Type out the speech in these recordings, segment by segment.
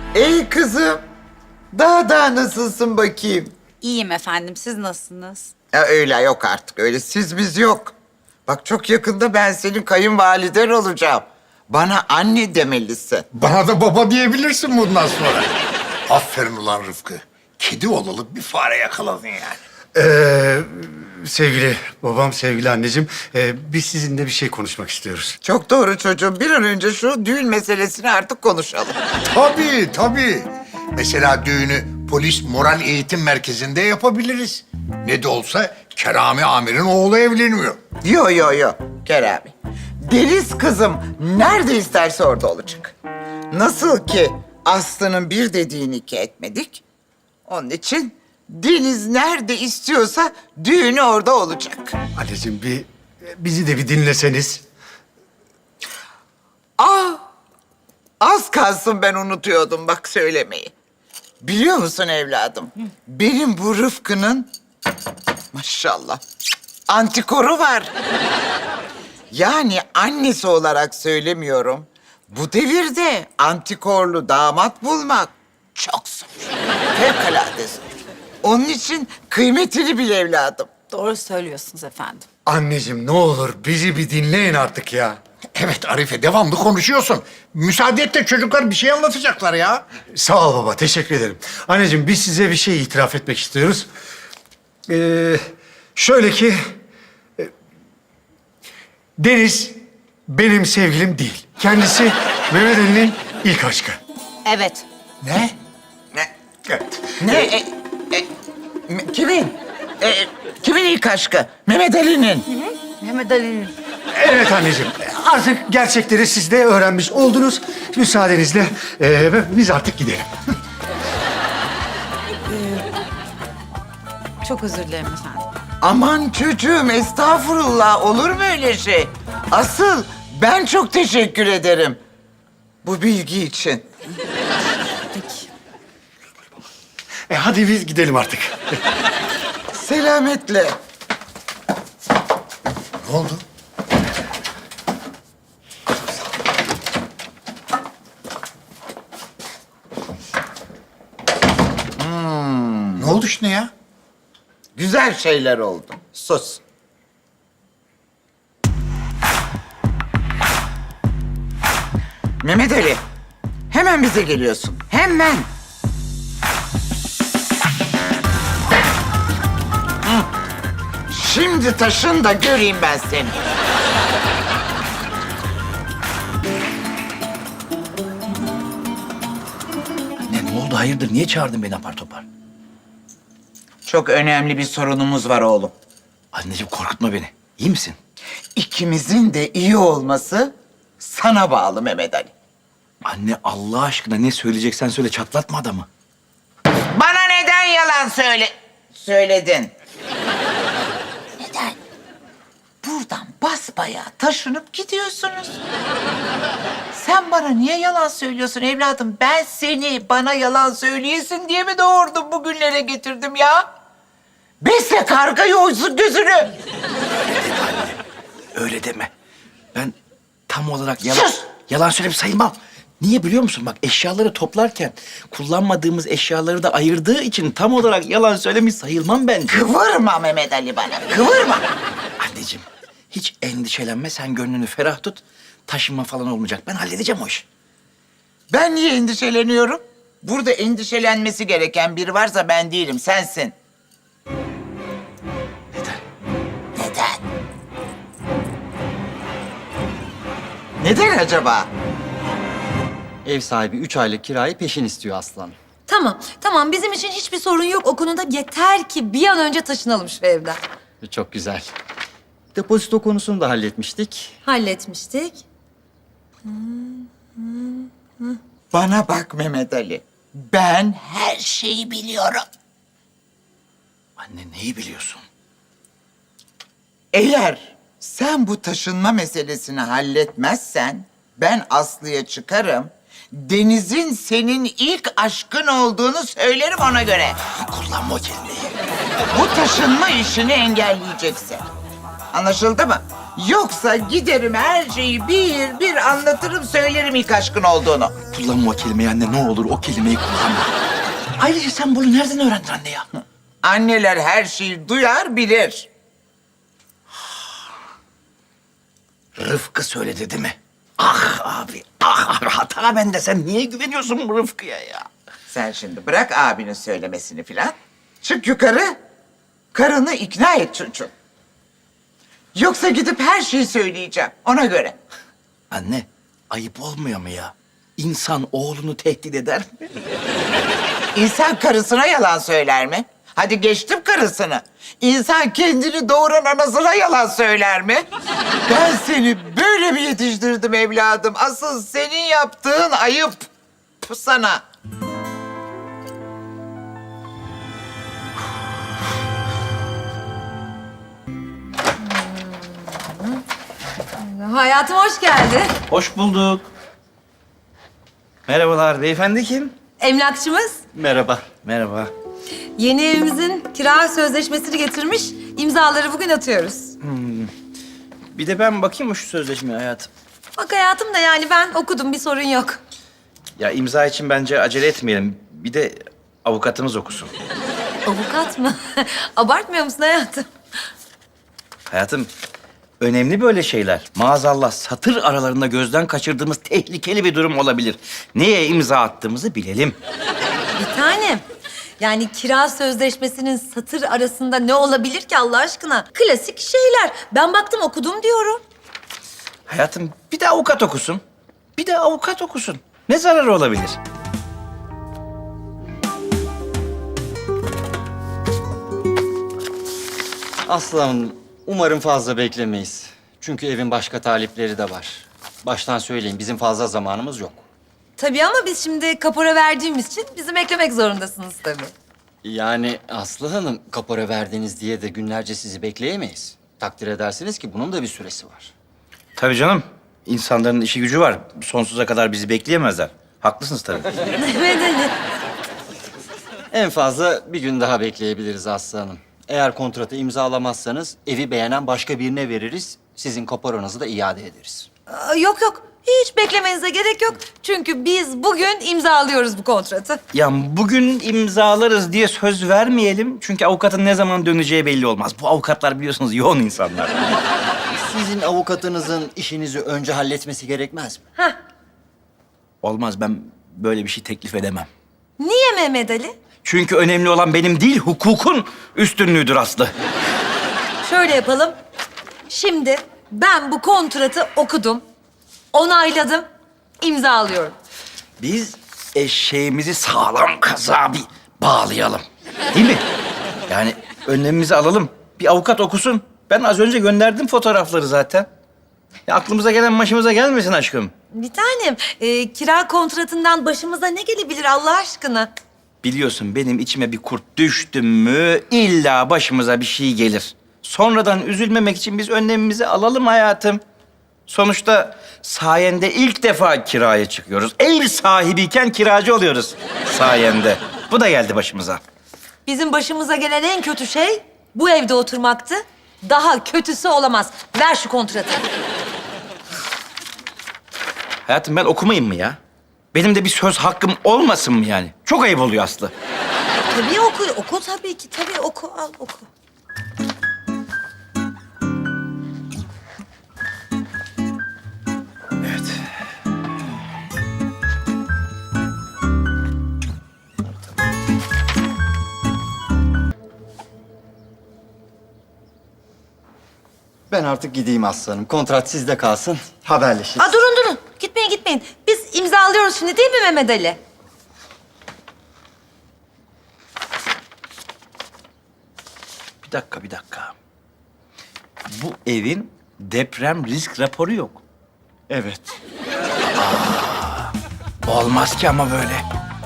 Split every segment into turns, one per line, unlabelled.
Ey kızım, daha nasılsın bakayım?
İyiyim efendim. Siz nasılsınız?
Ya öyle yok artık, öyle siz biz yok. Bak çok yakında ben senin kayınvaliden olacağım. Bana anne demelisin.
Bana da baba diyebilirsin bundan sonra. Aferin ulan Rıfkı. Kedi olalı bir fare yakaladın yani.
Sevgili babam, sevgili anneciğim, biz sizinle bir şey konuşmak istiyoruz.
Çok doğru çocuğum. Bir an önce şu düğün meselesini artık konuşalım.
Tabii. Mesela düğünü polis moral eğitim merkezinde yapabiliriz. Ne de olsa Kerami Amir'in oğlu evleniyor.
Yo. Kerami. Deniz kızım nerede isterse orada olacak. Nasıl ki Aslı'nın bir dediğini iki etmedik. Onun için Deniz nerede istiyorsa düğünü orada olacak.
Anneciğim bizi de bir dinleseniz.
Az kalsın ben unutuyordum bak söylemeyi. Biliyor musun evladım? Benim bu Rıfkı'nın maşallah antikoru var. Yani annesi olarak söylemiyorum. Bu devirde antikorlu damat bulmak çok zor. Fevkalade zor. Onun için kıymetini bil evladım.
Doğru söylüyorsunuz efendim.
Anneciğim ne olur bizi bir dinleyin artık ya.
Evet Arife, devamlı konuşuyorsun. Müsaade et de çocuklar bir şey anlatacaklar ya.
Sağ ol baba, teşekkür ederim. Anneciğim biz size bir şey itiraf etmek istiyoruz. Şöyle ki... Deniz benim sevgilim değil. Kendisi Mehmet Ali'nin ilk aşkı.
Evet.
Ne?
Evet.
Kimin? Kimin ilk aşkı? Mehmet Ali'nin.
Mehmet Ali'nin.
Evet anneciğim. Artık gerçekleri siz de öğrenmiş oldunuz. Müsaadenizle biz artık gidelim.
Çok özür dilerim efendim.
Aman çocuğum estağfurullah olur mu öyle şey? Asıl ben çok teşekkür ederim bu bilgi için.
Peki.
Hadi biz gidelim artık.
Selametle.
Ne oldu? Ne oldu şimdi ya?
Güzel şeyler oldu. Sus. Mehmet Ali, hemen bize geliyorsun. Hemen. Hı. Şimdi taşın da göreyim ben seni.
Ne oldu hayırdır? Niye çağırdın beni apar topar?
Çok önemli bir sorunumuz var oğlum.
Anneciğim korkutma beni. İyi misin?
İkimizin de iyi olması sana bağlı Mehmet Ali.
Anne Allah aşkına ne söyleyeceksen söyle, çatlatma adamı.
Bana neden yalan söyledin? Neden? Buradan basbayağı taşınıp gidiyorsunuz. Sen bana niye yalan söylüyorsun evladım? Ben seni bana yalan söyleyesin diye mi doğurdum bugünlere getirdim ya? Besle kargayı oysun gözünü.
Öyle deme. Ben tam olarak
Sus!
yalan söyleyip sayılmam. Niye biliyor musun? Bak eşyaları toplarken kullanmadığımız eşyaları da ayırdığı için tam olarak yalan söylemiş sayılmam bence.
Kıvırma Mehmet Ali bana, kıvırma.
Anneciğim hiç endişelenme, sen gönlünü ferah tut. Taşınma falan olmayacak. Ben halledeceğim o işi.
Ben niye endişeleniyorum? Burada endişelenmesi gereken biri varsa ben değilim, sensin.
Neden?
Neden? Neden acaba?
Ev sahibi 3 aylık kirayı peşin istiyor Aslan.
Tamam. Bizim için hiçbir sorun yok o konuda. Yeter ki bir an önce taşınalım şu evden.
Çok güzel. Depozito konusunu da halletmiştik.
Halletmiştik.
Bana bak Mehmet Ali. Ben her şeyi biliyorum.
Anne neyi biliyorsun?
Eğer sen bu taşınma meselesini halletmezsen ben Aslı'ya çıkarım. Deniz'in senin ilk aşkın olduğunu söylerim ona göre.
Kullanma o kelimeyi.
Bu taşınma işini engelleyeceksin. Anlaşıldı mı? Yoksa giderim her şeyi bir bir anlatırım söylerim ilk aşkın olduğunu.
Kullanma o kelimeyi anne, ne olur o kelimeyi kullanma. Ayrıca sen bunu nereden öğrendin anne ya?
Anneler her şeyi duyar bilir.
Rıfkı söyledi değil mi? Ah abi, ah hata bende. Sen niye güveniyorsun bu Rıfkı'ya ya?
Sen şimdi bırak abinin söylemesini filan. Çık yukarı. Karını ikna et çocuğum. Yoksa gidip her şeyi söyleyeceğim ona göre.
Anne, ayıp olmuyor mu ya? İnsan oğlunu tehdit eder mi?
İnsan karısına yalan söyler mi? Hadi geçtim karısını. İnsan kendini doğuran anasına yalan söyler mi? Ben seni böyle mi yetiştirdim evladım? Asıl senin yaptığın ayıp. Bu sana.
Hayatım hoş geldin.
Hoş bulduk. Merhabalar, beyefendi kim?
Emlakçımız
Merhaba.
Merhaba.
yeni evimizin kira sözleşmesini getirmiş. İmzaları bugün atıyoruz.
Bir de ben bakayım mı şu sözleşmeye hayatım?
Bak hayatım da yani ben okudum bir sorun yok.
Ya imza için bence acele etmeyelim. Bir de avukatımız okusun.
Avukat mı? Abartmıyor musun hayatım?
Hayatım, önemli böyle şeyler. Maazallah satır aralarında gözden kaçırdığımız tehlikeli bir durum olabilir. Neye imza attığımızı bilelim.
Bir tanem. Yani kira sözleşmesinin satır arasında ne olabilir ki Allah aşkına? Klasik şeyler. Ben baktım okudum diyorum.
Hayatım, bir de avukat okusun. Bir de avukat okusun. Ne zararı olabilir?
Aslı Hanım, umarım fazla beklemeyiz. Çünkü evin başka talipleri de var. Baştan söyleyeyim, bizim fazla zamanımız yok.
Tabii ama biz şimdi kapora verdiğimiz için bizim eklemek zorundasınız tabii.
Yani Aslı Hanım, kapora verdiniz diye de günlerce sizi bekleyemeyiz. Takdir edersiniz ki bunun da bir süresi var.
Tabii canım. İnsanların işi gücü var. Sonsuza kadar bizi bekleyemezler. Haklısınız tabii.
Mehmet Ali.
En fazla bir gün daha bekleyebiliriz Aslı Hanım. Eğer kontratı imzalamazsanız evi beğenen başka birine veririz. Sizin kaporanızı da iade ederiz.
Yok yok. Hiç beklemenize gerek yok. Çünkü biz bugün imzalıyoruz bu kontratı.
Ya bugün imzalarız diye söz vermeyelim. Çünkü avukatın ne zaman döneceği belli olmaz. Bu avukatlar biliyorsunuz yoğun insanlar.
Sizin avukatınızın işinizi önce halletmesi gerekmez mi?
Olmaz, ben böyle bir şey teklif edemem.
Niye Mehmet Ali?
Çünkü önemli olan benim değil, hukukun üstünlüğüdür Aslı.
Şöyle yapalım. Şimdi ben bu kontratı okudum, onayladım, imzalıyorum.
Biz eşeğimizi sağlam kazağa bir bağlayalım. Değil mi? Yani önlemimizi alalım. Bir avukat okusun. Ben az önce gönderdim fotoğrafları zaten. Ya aklımıza gelen başımıza gelmesin aşkım.
Bir tanem, kira kontratından başımıza ne gelebilir Allah aşkına?
Biliyorsun benim içime bir kurt düştü mü illa başımıza bir şey gelir. Sonradan üzülmemek için biz önlemimizi alalım hayatım. Sonuçta sayende ilk defa kiraya çıkıyoruz. Ev sahibiyken kiracı oluyoruz sayende. Bu da geldi başımıza.
Bizim başımıza gelen en kötü şey bu evde oturmaktı. Daha kötüsü olamaz. Ver şu kontratı.
Hayatım ben okumayayım mı ya? Benim de bir söz hakkım olmasın mı yani? Çok ayıp oluyor Aslı.
Tabii oku, oku tabii ki. Tabii oku, al oku.
Evet.
Ben artık gideyim Aslı Hanım. Kontrat sizde kalsın. Haberleşiriz.
Aa, durun. Gitmeyin, gitmeyin. Biz imzalıyoruz şimdi değil mi Mehmet Ali?
Bir dakika. Bu evin deprem risk raporu yok.
Evet.
Olmaz ki ama böyle.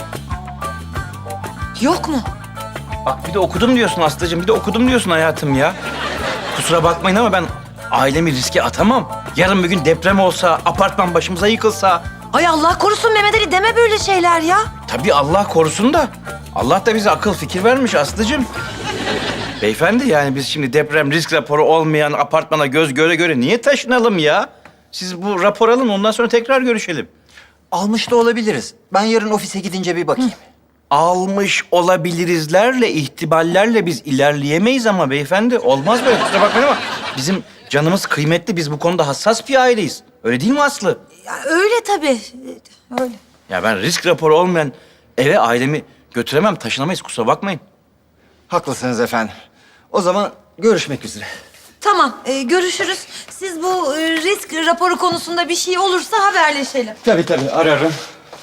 Yok mu?
Bak bir de okudum diyorsun Aslı'cığım, bir de okudum diyorsun hayatım ya. Kusura bakmayın ama ben ailemi riske atamam. Yarın bir gün deprem olsa, apartman başımıza yıkılsa...
Ay Allah korusun Mehmet Ali deme böyle şeyler ya.
Tabii Allah korusun da. Allah da bize akıl fikir vermiş Aslı'cığım. Beyefendi yani biz şimdi deprem risk raporu olmayan apartmana göz göre göre niye taşınalım ya? Siz bu rapor alın ondan sonra tekrar görüşelim.
Almış da olabiliriz. Ben yarın ofise gidince bir bakayım.
Almış olabilirizlerle, ihtimallerle biz ilerleyemeyiz ama beyefendi. Olmaz böyle kusura bakmayın ama bizim canımız kıymetli. Biz bu konuda hassas bir aileyiz. Öyle değil mi Aslı?
Ya öyle tabii. Öyle.
Ya ben risk raporu olmayan eve ailemi götüremem, taşınamayız kusura bakmayın.
Haklısınız efendim. O zaman görüşmek üzere.
Tamam, görüşürüz. Siz bu risk raporu konusunda bir şey olursa haberleşelim.
Tabii ararım.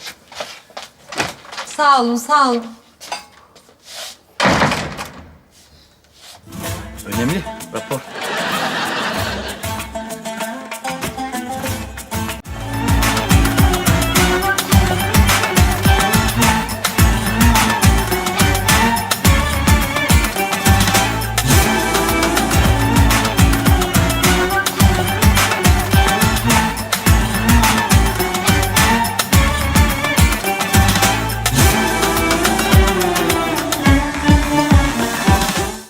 Sağ olun, sağ olun.
Önemli rapor.